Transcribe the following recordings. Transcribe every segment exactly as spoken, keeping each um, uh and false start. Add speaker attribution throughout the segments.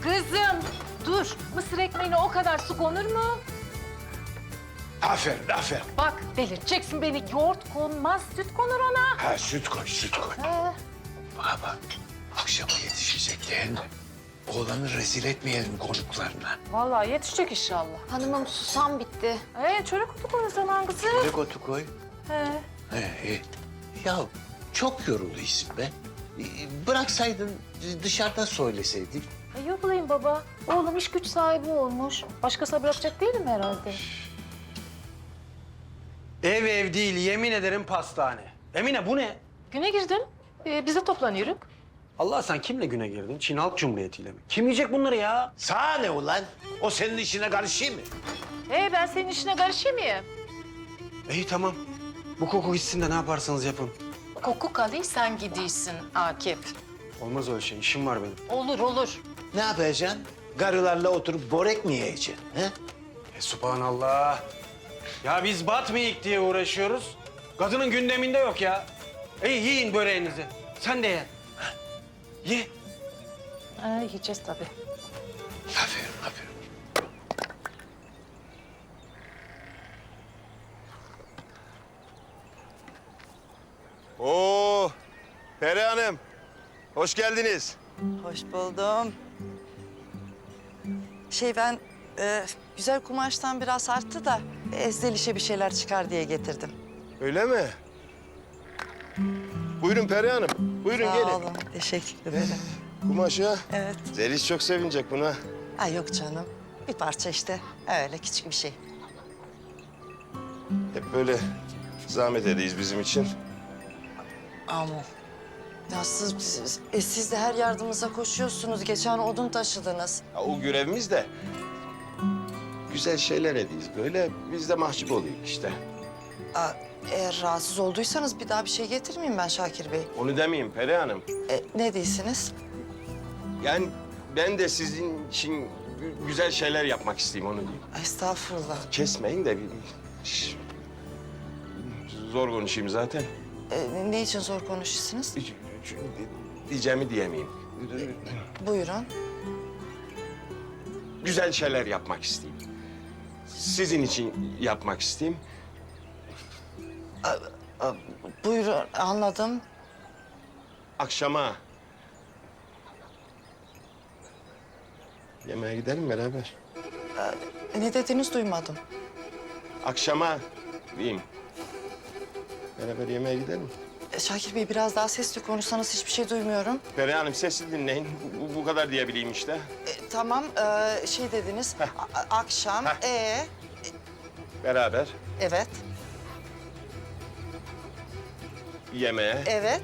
Speaker 1: Kızım dur. Mısır ekmeğine o kadar su konur mu?
Speaker 2: Aferin, aferin.
Speaker 1: Bak delirteceksin beni. Yoğurt konmaz, süt konur ona.
Speaker 2: Ha, süt koy, süt koy.
Speaker 1: He.
Speaker 2: Bana bak, akşama yetişecek değil mi? Oğlanı rezil etmeyelim konuklarına.
Speaker 1: Vallahi yetişecek inşallah.
Speaker 3: Hanımım susam bitti.
Speaker 1: Ee, çörek otu koy o zaman kızım.
Speaker 2: Ne otu koy?
Speaker 1: He.
Speaker 2: He, iyi. Ya çok yoruluyorsun be. Bıraksaydın dışarıda söyleseydik.
Speaker 1: E, yok olayım baba. Oğlum iş güç sahibi olmuş. Başkasına bırakacak değilim herhalde.
Speaker 4: Ev ev değil, yemin ederim pastane. Emine bu ne?
Speaker 1: Güne girdim. Ee, biz de toplanıyoruz.
Speaker 4: Allah sen kimle güne girdin? Çin Halk Cumhuriyeti'yle mi? Kim yiyecek bunları ya?
Speaker 2: Sana ne ulan? O senin işine karışayım mı?
Speaker 1: Ee, ben senin işine karışayım mıyım?
Speaker 4: İyi tamam. Bu koku gitsin de ne yaparsanız yapın.
Speaker 1: Koku kalıyor, sen gidiyorsun Akif.
Speaker 4: Olmaz öyle şey, işim var benim.
Speaker 1: Olur, olur.
Speaker 2: Ne yapacaksın? Karılarla oturup börek mi yiyeceksin? He?
Speaker 4: E subhanallah. Ya biz batmayık diye uğraşıyoruz. Kadının gündeminde yok ya. İyi yiyin böreğinizi. Sen de ye. Ye.
Speaker 1: Ee, yiyeceğiz tabii.
Speaker 2: Aferin, aferin.
Speaker 5: Oo, Peri Hanım. Hoş geldiniz.
Speaker 6: Hoş buldum. Şey ben e, güzel kumaştan biraz arttı da ezdelişe bir şeyler çıkar diye getirdim.
Speaker 5: Öyle mi? Buyurun Peri Hanım. Buyurun
Speaker 6: Sağ
Speaker 5: gelin.
Speaker 6: olun. Teşekkür ederim.
Speaker 5: Kumaşa.
Speaker 6: Evet.
Speaker 5: Zeliş çok sevinecek buna.
Speaker 6: Ay yok canım. Bir parça işte. Öyle küçük bir şey.
Speaker 5: Hep böyle zahmet edeyiz bizim için.
Speaker 6: Ama ya siz, siz, e, siz de her yardımımıza koşuyorsunuz. Geçen odun taşıdınız.
Speaker 5: Ya, o görevimiz de güzel şeyler edeyiz böyle. Biz de mahcup oluyoruz işte.
Speaker 6: Aa, eğer rahatsız olduysanız bir daha bir şey getirmeyeyim ben Şakir Bey.
Speaker 5: Onu demeyeyim Peri Hanım.
Speaker 6: E, ne değilsiniz?
Speaker 5: Yani ben de sizin için gü- güzel şeyler yapmak isteyeyim onu diyeyim.
Speaker 6: Ay, estağfurullah.
Speaker 5: Kesmeyin de bir... Şş, zor konuşayım zaten.
Speaker 6: E, ne için zor konuşuyorsunuz?
Speaker 5: Hiç- hiç- Diyeceğimi diyemeyeyim.
Speaker 6: Buyurun.
Speaker 5: Güzel şeyler yapmak isteyeyim. Sizin için yapmak isteyeyim.
Speaker 6: Aa, buyurun, anladım.
Speaker 5: Akşama yemeğe gidelim beraber.
Speaker 6: Ne dediğiniz duymadım.
Speaker 5: Akşama diyeyim. Beraber yemeğe gidelim.
Speaker 6: E, Şakir Bey biraz daha sesli konuşsanız hiçbir şey duymuyorum.
Speaker 5: Peri Hanım sesli dinleyin. Bu, bu kadar diyebileyim işte.
Speaker 6: E, tamam, e, şey dediniz. a- a- akşam,
Speaker 5: Heh.
Speaker 6: ee,
Speaker 5: Beraber
Speaker 6: evet,
Speaker 5: yemeğe,
Speaker 6: evet,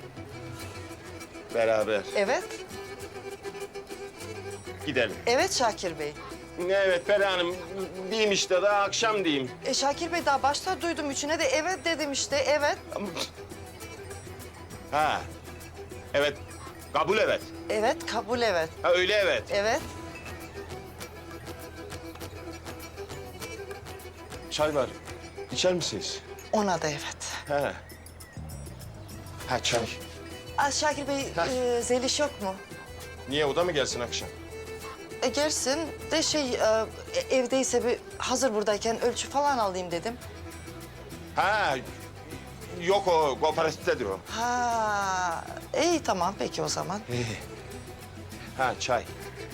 Speaker 5: beraber
Speaker 6: evet,
Speaker 5: gidelim.
Speaker 6: evet Şakir Bey.
Speaker 5: Evet Peri Hanım diyeyim işte daha akşam diyeyim.
Speaker 6: E, Şakir Bey daha başta duydum üçüne de evet dedim işte, evet,
Speaker 5: Ha. Evet. Kabul evet.
Speaker 6: evet, kabul evet,
Speaker 5: Ha öyle evet.
Speaker 6: evet.
Speaker 5: Çay var. İçer misiniz?
Speaker 6: Ona da evet.
Speaker 5: Ha. Ha çay.
Speaker 6: Aa, Şakir Bey, e, Zeliş yok mu?
Speaker 5: Niye o da mı gelsin akşam?
Speaker 6: E, gelsin de şey, e, evdeyse bir hazır buradayken ölçü falan alayım dedim.
Speaker 5: Ha. Yok o kooperatiftedir o.
Speaker 6: Ha, iyi tamam peki o zaman.
Speaker 5: Ha çay.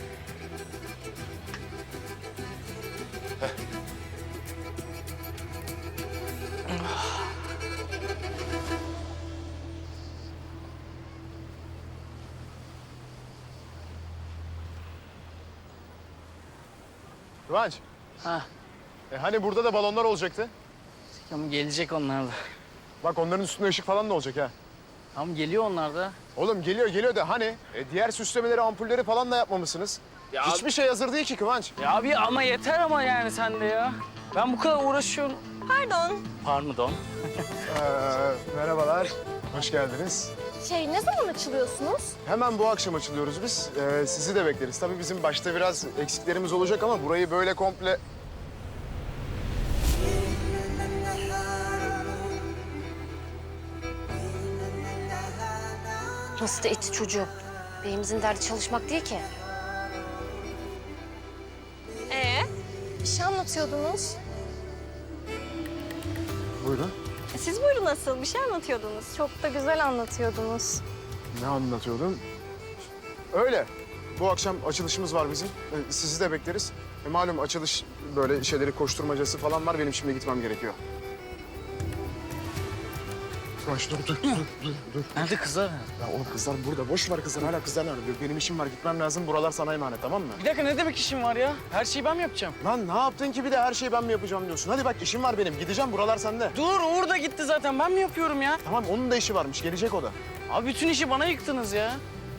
Speaker 7: Kıvanç.
Speaker 8: Ha,
Speaker 7: E hani burada da balonlar olacaktı?
Speaker 8: ama gelecek onlar da.
Speaker 7: Bak onların üstünde ışık falan da olacak ha.
Speaker 8: Ama geliyor onlar da.
Speaker 7: Oğlum geliyor geliyor da hani e, diğer süslemeleri, ampulleri falan da yapmamışsınız.
Speaker 8: Ya-
Speaker 7: Hiçbir şey hazır değil ki Kıvanç.
Speaker 8: Ya abi ama yeter ama yani sen de ya. Ben bu kadar uğraşıyorum.
Speaker 3: Pardon.
Speaker 8: Pardon.
Speaker 7: Ee, merhabalar, hoş geldiniz.
Speaker 3: Şey ne zaman açılıyorsunuz?
Speaker 7: Hemen bu akşam açılıyoruz biz. Ee, sizi de bekleriz. Tabii bizim başta biraz eksiklerimiz olacak ama burayı böyle komple...
Speaker 3: Nasıl da iti çocuğu. Beyimizin derdi çalışmak değil ki. Bir şey anlatıyordunuz.
Speaker 7: Buyurun.
Speaker 3: E, Siz buyurun asıl. Bir şey anlatıyordunuz. Çok da güzel anlatıyordunuz.
Speaker 7: Ne anlatıyordum? Öyle. Bu akşam açılışımız var bizim. Ee, Sizi de bekleriz. E, malum açılış böyle şeyleri koşturmacası falan var. Benim şimdi gitmem gerekiyor. Kıvanç dur, dur, dur, dur, dur.
Speaker 8: Nerede kızlar?
Speaker 7: Ya oğlum kızlar burada. Boş ver kızlar. Hala kızlar nerede? Benim işim var. Gitmem lazım. Buralar sana emanet, tamam mı?
Speaker 8: Bir dakika ne demek işim var ya? Her şeyi ben mi yapacağım?
Speaker 7: Lan ne yaptın ki bir de her şeyi ben mi yapacağım diyorsun? Hadi bak işim var benim. Gideceğim. Buralar sende.
Speaker 8: Dur Uğur da gitti zaten. Ben mi yapıyorum ya?
Speaker 7: Tamam onun da işi varmış. Gelecek o da.
Speaker 8: Abi bütün işi bana yıktınız ya.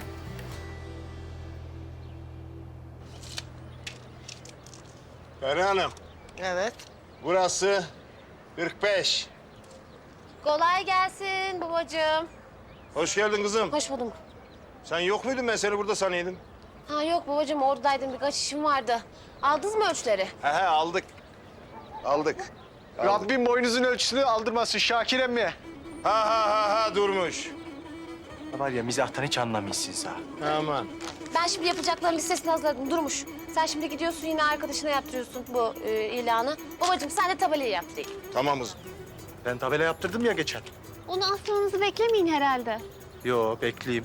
Speaker 5: Peri Hanım,
Speaker 6: Evet.
Speaker 5: burası kırk beş.
Speaker 1: Kolay gelsin babacığım.
Speaker 5: Hoş geldin kızım.
Speaker 1: Hoş buldum.
Speaker 5: Sen yok muydun? Ben seni burada sanıyordum.
Speaker 1: Ha yok babacığım oradaydım birkaç işim vardı. Aldınız mı ölçüleri?
Speaker 5: He he aldık. Aldık. Aldık.
Speaker 7: Rabbim boynuzun ölçüsünü aldırmasın Şakir emmi.
Speaker 5: Ha ha ha ha durmuş.
Speaker 9: Var ya mizahtan hiç anlamıyorsunuz ha.
Speaker 5: Aman.
Speaker 1: Ben şimdi yapacakların listesini hazırladım Durmuş. Sen şimdi gidiyorsun yine arkadaşına yaptırıyorsun bu e, ilanı. Babacığım sen de tabelayı yaptır.
Speaker 5: Tamam kızım.
Speaker 9: Ben tabela yaptırdım ya geçen.
Speaker 3: Onu asmanızı beklemeyin herhalde.
Speaker 9: Yo bekleyeyim.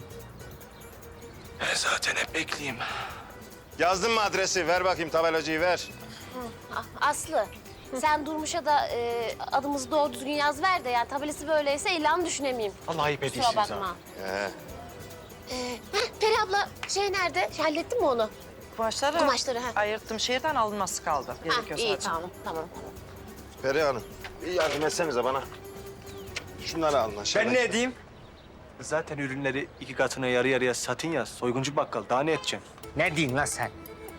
Speaker 9: Ben zaten hep bekleyeyim.
Speaker 5: Yazdın mı adresi? Ver bakayım tabelacıyı ver.
Speaker 1: Ah, Aslı sen Durmuş'a da e, adımızı doğru düzgün yaz ver de yani tabelası böyleyse ilanı düşünemeyeyim.
Speaker 9: Allah ayıp
Speaker 1: Kusura
Speaker 9: ediyorsunuz
Speaker 1: bakma.
Speaker 9: ha.
Speaker 5: He.
Speaker 1: Ee, heh, Peri abla şey nerede? Şey, hallettin mi onu?
Speaker 6: Kumaşları,
Speaker 1: Kumaşları, ha.
Speaker 6: ayırttım şehirden alınması kaldı.
Speaker 1: Ha,
Speaker 6: Gerekiyor
Speaker 1: iyi
Speaker 6: sadece.
Speaker 1: tamam tamam. tamam.
Speaker 5: Peri Hanım, bir yardım etsenize bana. Şunları alın aşağıya.
Speaker 9: Ben ne edeyim? Zaten ürünleri iki katına yarı yarıya satın ya. Soyguncu bakkal daha ne edeceğim?
Speaker 10: Ne diyorsun lan sen?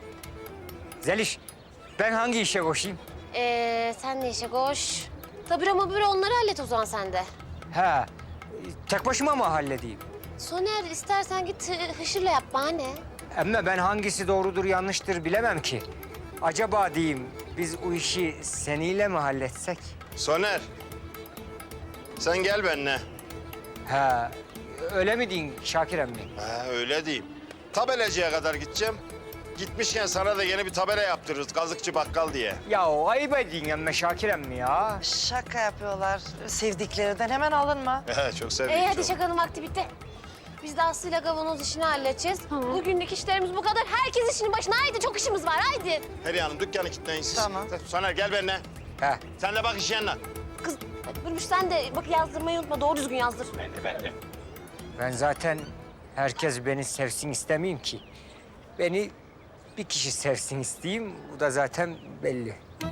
Speaker 10: Zeliş, ben hangi işe koşayım?
Speaker 1: Ee, sen ne işe koş? Tabii ama böyle onları hallet o zaman sen de.
Speaker 10: Ha, tek başıma mı halledeyim?
Speaker 1: Soner istersen git hı- Hışır'la yap bana ne?
Speaker 10: Ama ben hangisi doğrudur yanlıştır bilemem ki. Acaba diyeyim biz o işi seniyle mi halletsek?
Speaker 5: Soner. Sen gel benimle.
Speaker 10: Ha, öyle mi diyorsun Şakir emmi?
Speaker 5: He öyle diyeyim. Tabelacıya kadar gideceğim. Gitmişken sana da yeni bir tabela yaptırırız. Kazıkçı bakkal diye.
Speaker 10: Ya o ayıp ediyorsun ama Şakir emmi ya.
Speaker 6: Şaka yapıyorlar. Sevdiklerinden hemen alınma.
Speaker 5: He çok sevdim.
Speaker 1: Ee, hadi
Speaker 5: çok.
Speaker 1: şakanın vakti bitti. Biz de Aslı'yla kavanoz işini halledeceğiz. Bugünlük işlerimiz bu kadar. Herkes işinin başına. Haydi çok işimiz var haydi.
Speaker 5: Peri Hanım dükkanı kilitleyin siz.
Speaker 6: Tamam.
Speaker 5: Soner gel benimle.
Speaker 10: Ha,
Speaker 5: Sen de bak iş yanına.
Speaker 1: Kız Durmuş sen de bak yazdırmayı unutma. Doğru düzgün yazdır.
Speaker 10: ben zaten herkes beni sevsin istemeyeyim ki. Beni bir kişi sevsin isteyeyim, bu da zaten belli.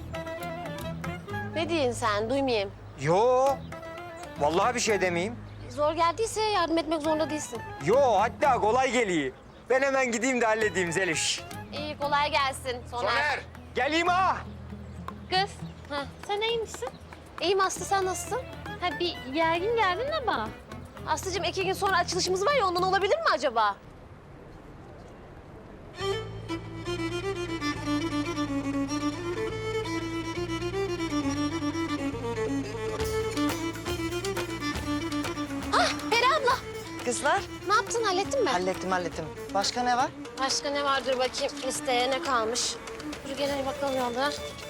Speaker 1: Ne diyorsun sen? Duymayayım.
Speaker 10: Yo, vallahi bir şey demeyeyim.
Speaker 1: Zor geldiyse yardım etmek zorunda değilsin.
Speaker 10: Yo, hatta kolay geliyor. Ben hemen gideyim de halledeyim Zeliş.
Speaker 1: İyi kolay gelsin Soner.
Speaker 5: Soner.
Speaker 10: Geleyim ha.
Speaker 3: Kız,
Speaker 1: Ha.
Speaker 3: sen iyi misin?
Speaker 1: İyiyim Aslı sen nasılsın?
Speaker 3: Ha bir gergin geldin ama.
Speaker 1: Aslıcığım iki gün sonra açılışımız var ya ondan olabilir mi acaba? Ah Peri abla
Speaker 6: Kızlar,
Speaker 1: ne yaptın hallettin mi?
Speaker 6: hallettim hallettim. Başka ne var?
Speaker 1: Başka ne vardır bakayım listeye ne kalmış? Dur gel hadi bakalım yolda.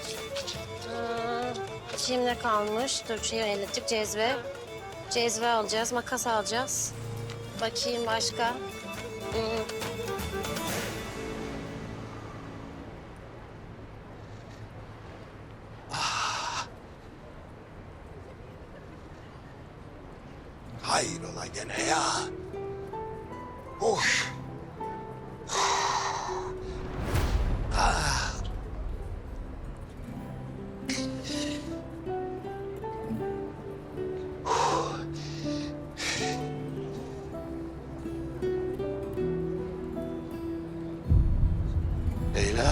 Speaker 1: Ee, Şimdi ne kalmış? Dur şeyi hallettik cezve. Cezve alacağız, makas alacağız. Bakayım başka. Hmm.
Speaker 2: Hayrola gene ya? Of. Ah. Leyla.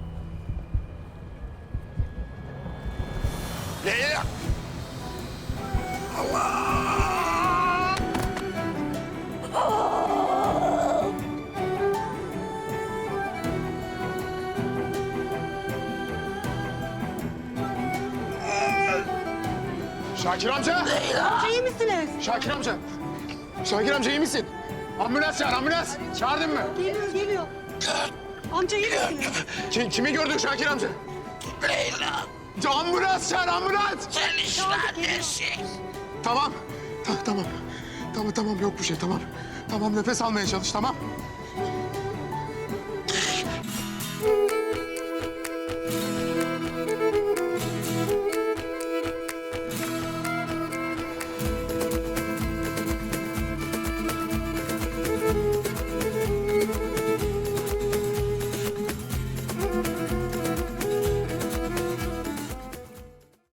Speaker 2: Leyla.
Speaker 7: Şakir amca. Amca iyi misiniz? Şakir amca. Şakir amca iyi misin? Ambulans çağır, ambulans. Çağırdın mı?
Speaker 11: Geliyor, geliyor. Amca iyi misiniz?
Speaker 7: Kim, kimi gördün Şakir amca?
Speaker 2: Leyla.
Speaker 7: Ambulans çağır, ambulans!
Speaker 2: Zeliş neredesin?
Speaker 7: Tamam, ta- tamam. Tamam, tamam yok bir şey, tamam. Tamam, nefes almaya çalış, tamam.